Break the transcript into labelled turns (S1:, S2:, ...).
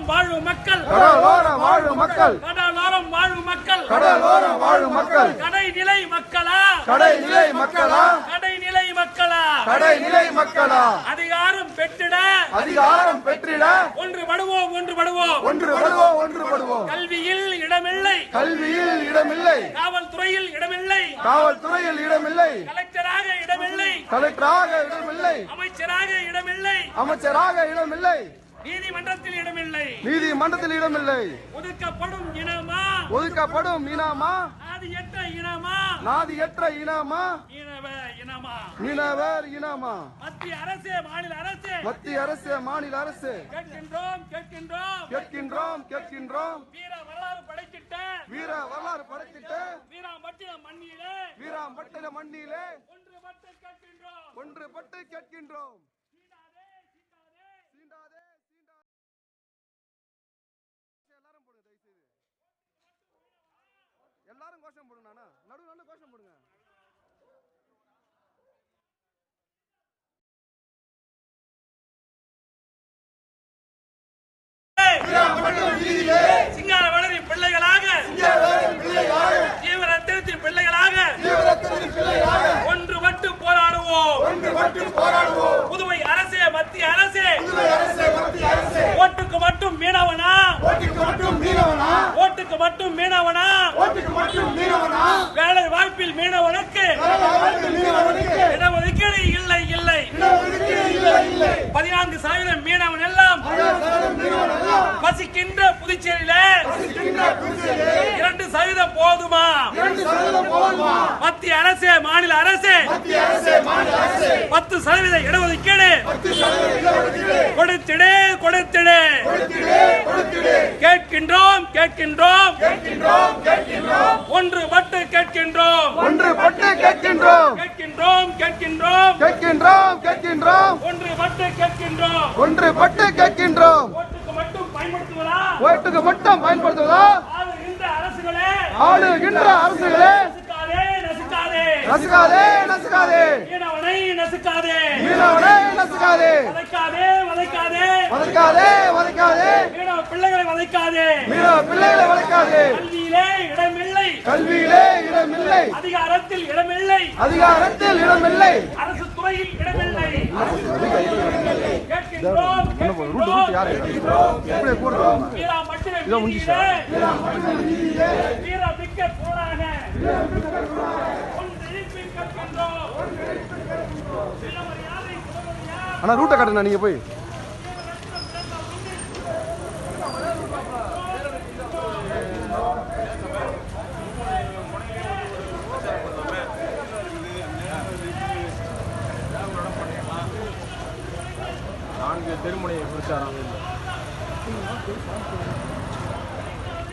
S1: வாழும் மக்கள்
S2: கடலோரம் வாழும் மக்கள்
S1: கடலோரம் வாழும் மக்கள்
S2: கடலோரம் வாழும் மக்கள்
S1: கடைநிலை மக்களா
S2: கடைநிலை மக்களா
S1: கடைநிலை மக்களா
S2: கடைநிலை மக்களா
S1: அதிகாரம் பெற்றிட
S2: அதிகாரம் பெற்றிட
S1: ஒன்றுபடுவோம் ஒன்றுபடுவோம்
S2: ஒன்றுபடுவோம் ஒன்றுபடுவோம்
S1: கல்வியில் இடமில்லை
S2: கல்வியில் இடமில்லை
S1: காவல்துறையில் இடமில்லை
S2: காவல்துறையில் இடமில்லை
S1: கலெக்டராக இடமில்லை
S2: கலெக்டராக இடமில்லை
S1: அமைச்சராக இடமில்லை
S2: அமைச்சராக இடமில்லை
S1: நீதிமன்றத்தில் இடமில்லை
S2: நீதிமன்றத்தில் இடமில்லை
S1: ஒதுக்கப்படும் இனமா
S2: ஒதுக்கப்படும் இனமா
S1: நாதியற்ற இனமா
S2: நாதியற்ற இனமா
S1: மீனவ இனமா
S2: மீனவர் இனமா
S1: மத்திய அரசு மாநில அரசு
S2: மத்திய அரசு மாநில அரசு
S1: கேட்கின்றோம் கேட்கின்றோம்
S2: கேட்கின்றோம் கேட்கின்றோம்
S1: வீர வரலாறு படைத்திட்ட
S2: வீர வரலாறு படைத்திட்டு
S1: வீராம்பட்டினம் மண்ணிலே
S2: வீராம்பட்டின மண்ணிலே
S1: ஒன்றுபட்டு கேட்கின்றோம்
S2: ஒன்றுபட்டு கேட்கின்றோம். எல்லாரும் போடுங்க, தயவு செய்து எல்லாரும் கோஷம் போடுங்க. நடு நடு கோஷம் போடுங்க.
S1: சிங்கார வளரி பிள்ளைகளாக தீவிர திருத்தி பிள்ளைகளாக ஒன்றுபட்டு போராடுவோம் புதுவை அரசே மத்திய அரசே ஓட்டுக்கு மட்டும் மீனவனா ஓட்டுக்கு மட்டும் மீனவனா வேலை வாய்ப்பில் மீனவனுக்கு இடஒதுக்கீடு இல்லை இல்லை 14% மீனவன் எல்லாம் வசிக்கின்ற புதுச்சேரியில 2% போதுமா? மத்திய அரசு மாநில அரசு 10% இடஒதுக்கீடு கொடுத்திடு கொடுத்திடு. கேட்கின்றோம் கேட்கின்றோம் ஒன்றுபட்டு கேட்கின்றோம்
S2: ஒன்றுபட்டு கேட்கின்றோம்
S1: கேட்கின்றோம் கேட்கின்றோம்
S2: கேட்கின்றோம் கேட்கின்றோம்
S1: ஒன்றுபட்டு கேட்கின்றோம்
S2: ஒன்றுபட்டு கேட்கின்றோம்.
S1: ஓட்டுக்கு மட்டும் பயன்படுத்துவதா?
S2: ஓட்டுக்கு மட்டும் பயன்படுத்துவதா?
S1: ஆளுகின்ற அரசுகளே
S2: ஆளுகின்ற அரசுகளே
S1: நசுக்காதே நசுக்காதே
S2: நசுக்காதே நசுக்காதே
S1: மீனவனை நசுக்காதே
S2: மீனவனை நசுக்காதே
S1: வதைக்காதே வதைக்காதே
S2: வதைக்காதே வதைக்காதே
S1: மீனவ பிள்ளைகளை வதைக்காதே
S2: மீனவ பிள்ளைகளை வதைக்காதே.
S1: கல்வியிலே இடமில்லை
S2: கல்வியிலே இடமில்லை
S1: அதிகாரத்தில் இடமில்லை
S2: அதிகாரத்தில் இடமில்லை
S1: அரசு துறையில் இடமில்லை. கேட்கின்றோம் வீராம்பட்டினம் வீதியிலே வீரமிக்க போராக
S2: ஆனா ரூட்டை காட்டுங்க நீங்க போய்.
S3: திருமுனையை குறிச்சாராம்.